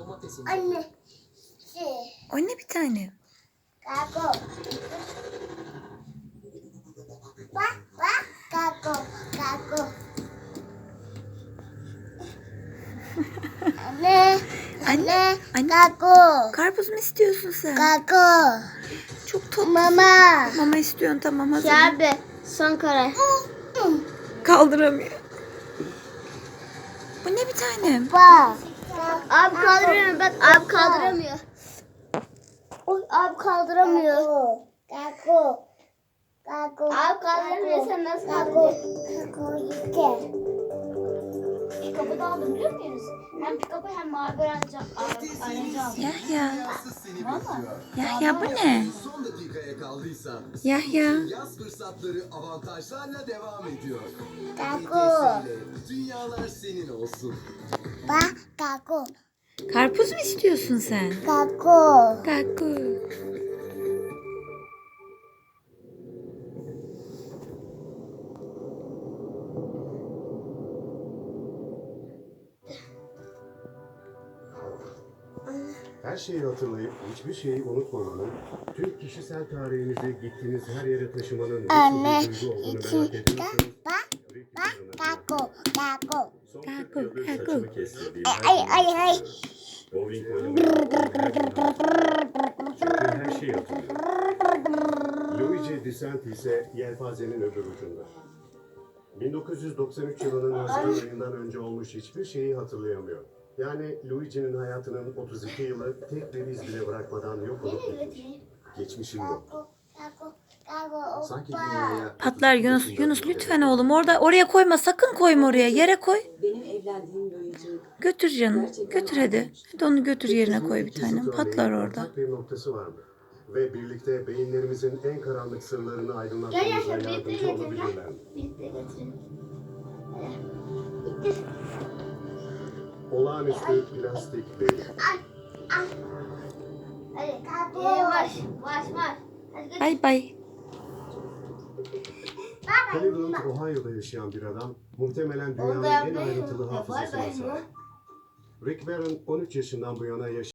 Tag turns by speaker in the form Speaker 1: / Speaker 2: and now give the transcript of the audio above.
Speaker 1: domatesin.
Speaker 2: Anne.
Speaker 3: O ne bir tane?
Speaker 2: Kako. Bak bak kako kako. Anne. Anne.
Speaker 3: Anne.
Speaker 2: Kako.
Speaker 3: Karpuz mu istiyorsun sen?
Speaker 2: Kako.
Speaker 3: Çok tatlı.
Speaker 2: Mama.
Speaker 3: Mama istiyorsun, tamam hazır.
Speaker 2: Abi son karar.
Speaker 3: Kaldıramıyor. Bu ne bir tanem?
Speaker 2: Bak. Abi kaldıramıyor. Bak abi kaldıramıyor. Oy abi kaldıramıyor. Kako. Kako. Abi kaldıramıyor. Sen nasıl kaldıracaksın? Kako yıke.
Speaker 4: Pikapı da aldım biliyor musunuz? Hem pikapı hem mavi aracı aldım.
Speaker 3: Yahya.
Speaker 4: Valla.
Speaker 3: Yahya bu ne?
Speaker 1: Son dakikaya kaldıysan.
Speaker 3: Yahya.
Speaker 1: Yaz fırsatları avantajlarla devam ediyor.
Speaker 2: Kako.
Speaker 1: Dünyalar senin olsun.
Speaker 2: Bak kako.
Speaker 3: Karpuz mu istiyorsun sen?
Speaker 2: Kako.
Speaker 3: Karpuz.
Speaker 5: Her şeyi hatırlayıp hiçbir şeyi unutmamanın, tüm kişisel tarihinizi gittiğiniz her yere taşımanın
Speaker 2: Anne.
Speaker 5: nasıl bir duygu olduğunu merak
Speaker 2: İki.
Speaker 5: ediyorsanız,
Speaker 2: Bak. Bak kako. Kako.
Speaker 5: son
Speaker 3: Kako,
Speaker 5: 40 yıldır
Speaker 3: kako.
Speaker 5: saçımı kestirdiğim
Speaker 2: Ay.
Speaker 5: bowling oynamayı çünkü her şeyi hatırlıyorum. Luigi Di Santi ise yelpazenin öbür ucunda. 1993 yılının Haziran ayından önce olmuş hiçbir şeyi hatırlayamıyor. Yani Luigi'nin hayatının 32 yılı tek bir iz bile bırakmadan yok olup gitmiş. Geçmişim yok.
Speaker 2: Kako. Kako.
Speaker 1: Sanki dünyaya...
Speaker 3: Patlar Yunus. Yunus lütfen oğlum, oraya koyma, sakın koyma oraya. Yere koy.
Speaker 6: Benim evlendiğim Luigi.
Speaker 3: Götür canım. Götür hadi. Hadi onu götür yerine koy bir tanem. Patlar orada.
Speaker 5: Ortak bir noktası var mı? Ve birlikte beyinlerimizin en karanlık sırlarını
Speaker 4: Gel
Speaker 5: aydınlatmamıza
Speaker 4: yaşa birlikte
Speaker 5: yardımcı
Speaker 4: getirin.
Speaker 5: olabilirler mi?
Speaker 4: Birlikte getirin.
Speaker 5: Olağanüstü plastik beyin.
Speaker 4: Hadi. Yavaş. Hadi götür.
Speaker 3: Bay bay.
Speaker 5: Cleveland, Ohio'da yaşayan bir adam muhtemelen dünyanın en ayrıntılı hafızasına sahip. Rick Warren 13 yaşından bu yana